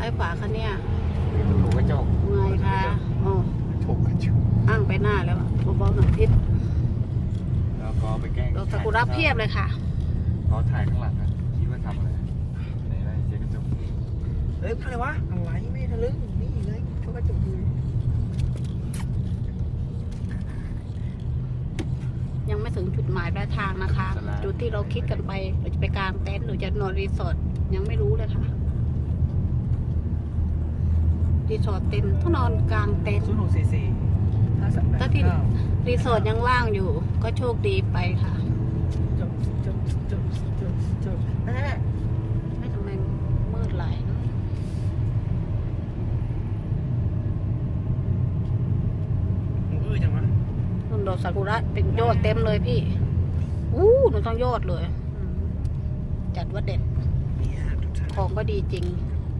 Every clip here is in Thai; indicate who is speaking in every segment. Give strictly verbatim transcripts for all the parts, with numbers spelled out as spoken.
Speaker 1: อยฝาคะเนี่ย
Speaker 2: ถูกกระจก
Speaker 1: ไงคะอ๋อ
Speaker 2: ถูกกระจก
Speaker 1: อ้างไปหน้าแล้วเบาๆหน่อยพิษ
Speaker 2: แล้วก็ไปแกล้ง
Speaker 1: ดอกซากุระเพียบเลยค่ะ
Speaker 2: เขาถ่ายข้างหลังนะคิดว่าทำอะไรไหนไรเจ๊กระจก
Speaker 3: เอ้ยอะไรวะอะไรไม่ทะลึ่งนี่เลยเขาก็จุกดู
Speaker 1: ยังไม่ถึงจุดหมายปลายทางนะคะ จุดที่เราคิดกันไปเราจะไปกางเต็นท์หรือจะนอนรีสอร์ทยังไม่รู้เลยค่ะรีสอร์ทเต็มต้องนอนกลางเต็นท์
Speaker 3: ศูนย์หกสี่สี่ห้าสามแปด
Speaker 1: ถ้าที่
Speaker 3: เก้า
Speaker 1: รีสอร์ทยังว่างอยู่ ก็โชคดีไปค่ะ
Speaker 3: จบจบจบจบจบนั่นแหละ
Speaker 1: ไม่ทำไมมืดไหลายเนอะ
Speaker 3: อื้อจังวะ
Speaker 1: ต้นดอกซากุระเป็นยอดเต็มเลยพี่อู้หนูต้องยอดเลยอืมจัดว่าเด็ด
Speaker 3: นี่ฮะทุกท่าน
Speaker 1: ของก็ดีจริง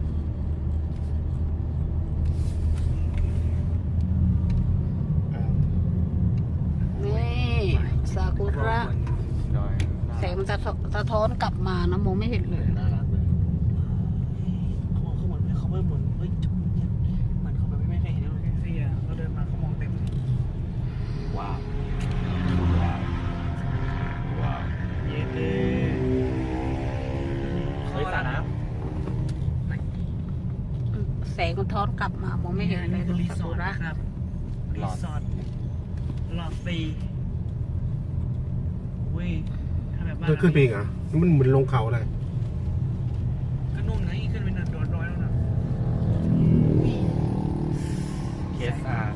Speaker 1: นี่ซากุระ
Speaker 2: ดอย
Speaker 1: แสงมันจะสะท้อนกลับมานะมองไม่เห็นเลย
Speaker 2: น่ารักเลย
Speaker 3: เขามองเขาเหมือนเขาเบิ่มเหมือนเฮ้ยจุ๊บเนี่ยเหมือนเขาแบบไม่เคยเห็นเลยเสียเขาเดินมาเขามองเต็ม
Speaker 2: ว้าวว้าวว้าวเย็นเลยเฮ้ยสระน้
Speaker 1: แสงมันท้อนกลับมามองไม่เห็นเลย
Speaker 3: คือรี
Speaker 1: ซา
Speaker 3: สอ
Speaker 1: กุ
Speaker 3: ร์ท
Speaker 1: ระ
Speaker 3: นะครับรีสอร์ทหลอดฟรีเว้ยถ้าแบบบ้าน
Speaker 4: มันขึ้นไปอีกเหรอมันเหมือนลงเขาเลย
Speaker 3: ก็นุ่มนะอีกขึ้นไปเนินโดดร้อยแล้วนะ
Speaker 2: ำเคสอาร์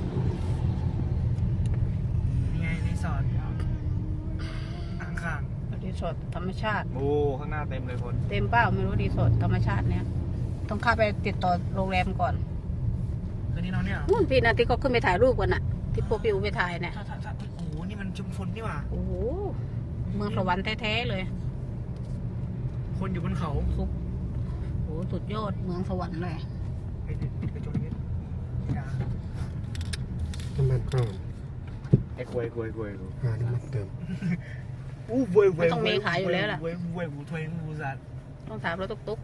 Speaker 3: นี่ไงรีสอร์ทอ่างขาง
Speaker 1: รีสอร์ทธรรมชาติ
Speaker 2: โอ้ข้างหน้าเต็มเลยคน
Speaker 1: เต็มเป้าไม่รู้รีสอร์ทธรรมชาติเนี่ยต้องเข้าไปติดต่อโรงแรมก่อน
Speaker 3: คืนนี้นอนเนี่ยเหรอ
Speaker 1: นู่นพี่นะที่เขาขึ้นไปถ่ายรูปกันน่ะ ที่พวกพี่อูไปถ่ายเนี่ย
Speaker 3: ถ้าถ้าถ้าโอ้โหนี่มันชุมชนนี่หว่า
Speaker 1: โอ้โหเมืองสวรรค์แท้ๆเลย
Speaker 3: คนอยู่บนเขา
Speaker 1: ซุปโอ้โหสุดยอดเมืองสวรรค์เลย
Speaker 3: ไอ้ปิดปิดกระจกนิดอย่า
Speaker 4: น้ำมันก็
Speaker 2: ไอ้กล้วยกล้วยกล้วย
Speaker 4: หาน้ำมันเติม
Speaker 3: อู้เว้ยเว้ย
Speaker 1: มันต้องมีขายอยู่แล้วล่ะ
Speaker 3: เว้ยเว้ยบูทเวนบูซัด
Speaker 1: ต้องถามรถตุ๊ก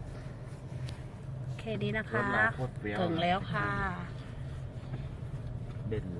Speaker 1: ๆแค่นี้นะ
Speaker 2: ร
Speaker 1: คะ
Speaker 2: ถเราโคตรเปรี้ยว
Speaker 1: ถึงแล้วค่ะ
Speaker 2: เด่น